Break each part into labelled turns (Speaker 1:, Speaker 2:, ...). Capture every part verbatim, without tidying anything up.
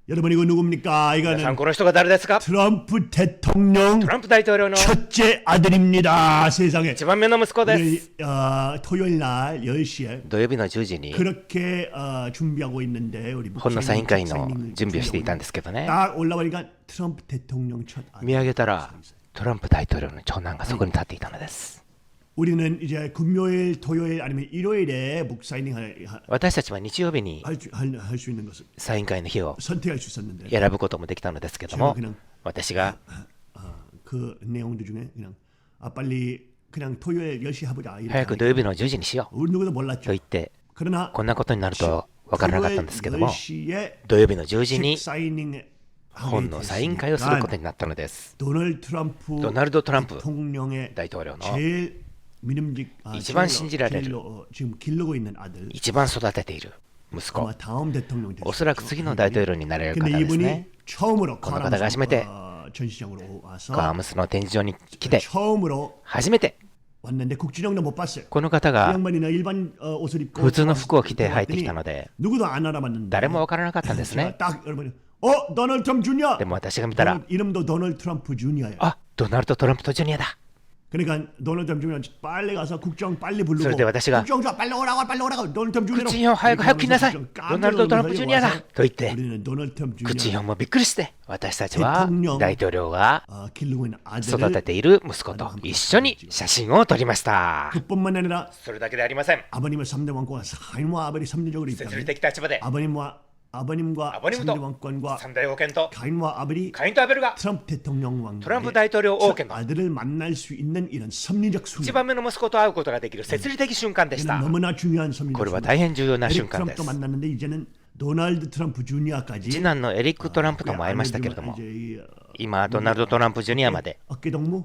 Speaker 1: 여러분 이거 누굽니까?
Speaker 2: 皆さん
Speaker 1: 이거는
Speaker 2: この人が誰ですか？
Speaker 1: 트럼프 대통령
Speaker 2: トランプ大統領の
Speaker 1: 첫째 아들입니다. 세상에.
Speaker 2: 一番目の息子です。
Speaker 1: 우리, 어, 토요일 날 열 시에
Speaker 2: 土曜日のじゅうじに
Speaker 1: 그렇게 어, 준비하고 있는데 우리
Speaker 2: 本のサイン会の
Speaker 1: 사인을
Speaker 2: 準備をしていたんですけどね。
Speaker 1: 딱 올라오니까 트럼프 대통령 첫 아들.
Speaker 2: 見上げたらトランプ大統領の長男がそこに立っていたのです。
Speaker 1: 우리는 이제 금요일, 토요일 아니면 일요일에 묵 사인을
Speaker 2: 私たちは日曜日に
Speaker 1: 할 수 있는 것을
Speaker 2: サイン会の日を
Speaker 1: 선택할 수 있었는데
Speaker 2: 選ぶこともできたのですけども、私が
Speaker 1: 어, 그 내용들 중에 그냥 아 빨리 그냥 토요일 열 시 해보자.
Speaker 2: 早く土曜日のじゅうじにしよう
Speaker 1: 우리 누구도
Speaker 2: と
Speaker 1: 몰랐죠.
Speaker 2: 言って、
Speaker 1: 그러나
Speaker 2: こんなことになると分からなかったんですけども、
Speaker 1: 열 시에
Speaker 2: 土曜日のじゅうじに
Speaker 1: 책 사인을
Speaker 2: 本のサイン会をすることになったのです。
Speaker 1: 도널드 트럼프
Speaker 2: ドナルド・トランプ
Speaker 1: 대통령의
Speaker 2: 大統領の
Speaker 1: 제일 믿음직 아,
Speaker 2: 이지만
Speaker 1: 제일로-
Speaker 2: 신지라를
Speaker 1: 제일로, 어, 지금 기르고 있는 아들
Speaker 2: 一番育てている息子、
Speaker 1: 아마 다음 대통령
Speaker 2: おそらく次の大統領になれる方
Speaker 1: 근데
Speaker 2: です
Speaker 1: 이분이
Speaker 2: ね。
Speaker 1: 처음으로
Speaker 2: 그 나라가 하시메테
Speaker 1: 어, 전시장으로
Speaker 2: カ
Speaker 1: 와서
Speaker 2: ームスの展示場に来て
Speaker 1: 처음으로
Speaker 2: 初めて
Speaker 1: 왔는데 국진영도 못 봤어요.
Speaker 2: この方
Speaker 1: 그
Speaker 2: が
Speaker 1: 양반이나 일반 어, 옷을 입고
Speaker 2: 普通の服を着て入ってき
Speaker 1: 들어왔더니
Speaker 2: たので
Speaker 1: 누구도 안 알아봤는데
Speaker 2: 誰も分からなかったんです
Speaker 1: 제가
Speaker 2: ね。
Speaker 1: 딱 여러분이 어 도널드 트럼프 주니어
Speaker 2: でも私が見たら、
Speaker 1: 도널드- 이름도 도널드 트럼프 주니어예요.
Speaker 2: あ、ドナルド・トランプとジュニアだ。
Speaker 1: 그러니까 도널드 트럼프 주니어 빨리 가서 국정 빨리 부르고
Speaker 2: それで私が
Speaker 1: 국정자 빨리 오라고 빨리 오라고 도널드 트럼프 주니어
Speaker 2: クッチンヒョン早く早く来なさい、ドナルド・トランプジュニアだと言って、
Speaker 1: 우리는 도널드 트럼프
Speaker 2: クッチンヒ
Speaker 1: 주니어
Speaker 2: ョンもびっくりして、私たちは大統領が
Speaker 1: 어, 기르고 있는
Speaker 2: 育て
Speaker 1: 아들을
Speaker 2: ている息子と一緒に写真を撮りました。
Speaker 1: 그뿐만 아니라
Speaker 2: それだけではありません。
Speaker 1: 아버님의 삼 대 왕권과 하인과 아버지 삼대적으로
Speaker 2: 設理
Speaker 1: 있다면
Speaker 2: 的立場で
Speaker 1: 아버님과 아버님과
Speaker 2: 아버님도
Speaker 1: 삼 대 왕권과
Speaker 2: 三大王権と
Speaker 1: 가인과 아버지
Speaker 2: カインとアベルが
Speaker 1: 트럼프 대통령 왕
Speaker 2: トランプ大統領王権の
Speaker 1: 아들을 만날 수 있는 이런 섭리적
Speaker 2: 一
Speaker 1: 순간
Speaker 2: 番目の息子と会うことができる設理的瞬間でし
Speaker 1: 이는
Speaker 2: た。
Speaker 1: 너무나 중요한
Speaker 2: こ
Speaker 1: 섭리적
Speaker 2: れは
Speaker 1: 순간
Speaker 2: 大変重要な瞬
Speaker 1: 에릭
Speaker 2: 間で
Speaker 1: 트럼프도
Speaker 2: す。
Speaker 1: 만났는데 이제는 도널드 트럼프 주니어까지
Speaker 2: 次男のエリック・トランプとも会いましたけれども、今ドナルド・トランプジュニアまで
Speaker 1: 어깨 동무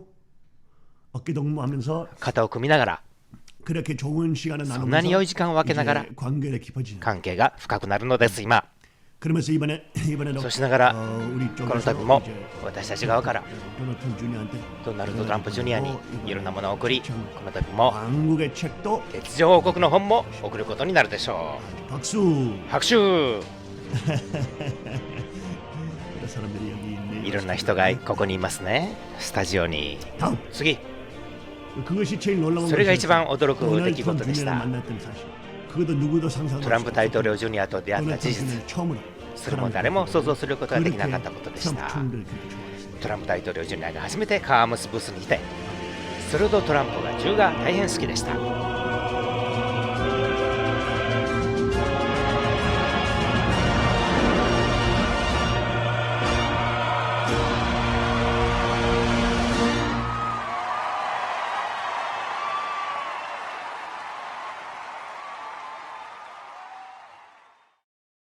Speaker 1: 어깨 동무하면서
Speaker 2: 肩を組みながら
Speaker 1: 그렇게 좋은 시간을
Speaker 2: そんなに良い
Speaker 1: 나누면서
Speaker 2: 時間を分けながら
Speaker 1: 이제 관계가 깊어지는
Speaker 2: 関係が深くなるのです。今
Speaker 1: 그러면서 이번에 이번에도
Speaker 2: そうしながら
Speaker 1: 어, 우리
Speaker 2: この
Speaker 1: 쪽에서
Speaker 2: 度も
Speaker 1: 이제
Speaker 2: 私たち側から
Speaker 1: 도널드 트럼프 주니어한테
Speaker 2: ドナルド・トランプジュニアにいろんなものを送り、こ
Speaker 1: 참
Speaker 2: の度も
Speaker 1: 왕국의 책도
Speaker 2: 鉄条王国の本も送ることになるでしょ
Speaker 1: 박수
Speaker 2: う。拍手。
Speaker 1: 여러 사람들이 여기 있네.
Speaker 2: いろんな人がここにいますね、スタジオに。
Speaker 1: 다음
Speaker 2: 次、
Speaker 1: 그것이 제일 놀라운
Speaker 2: それが一番
Speaker 1: 것이었어요.
Speaker 2: 驚く出
Speaker 1: 도널드
Speaker 2: 来
Speaker 1: 트럼프
Speaker 2: 事でし
Speaker 1: 주니어를
Speaker 2: た。
Speaker 1: 만났던 사실. 그것도 누구도 상상
Speaker 2: トランプ大統領ジュニアと出会った
Speaker 1: 도널드
Speaker 2: 事
Speaker 1: 트럼프
Speaker 2: 実、
Speaker 1: 주니어는 처음으로
Speaker 2: それも誰も想像することができなかったことでし
Speaker 1: 트럼프
Speaker 2: た。
Speaker 1: 총리를 그렇게 좋아했어요.
Speaker 2: トランプ大統領ジュニアが初めてカームスブースにいて、それほどトランプが銃が大変好きでした。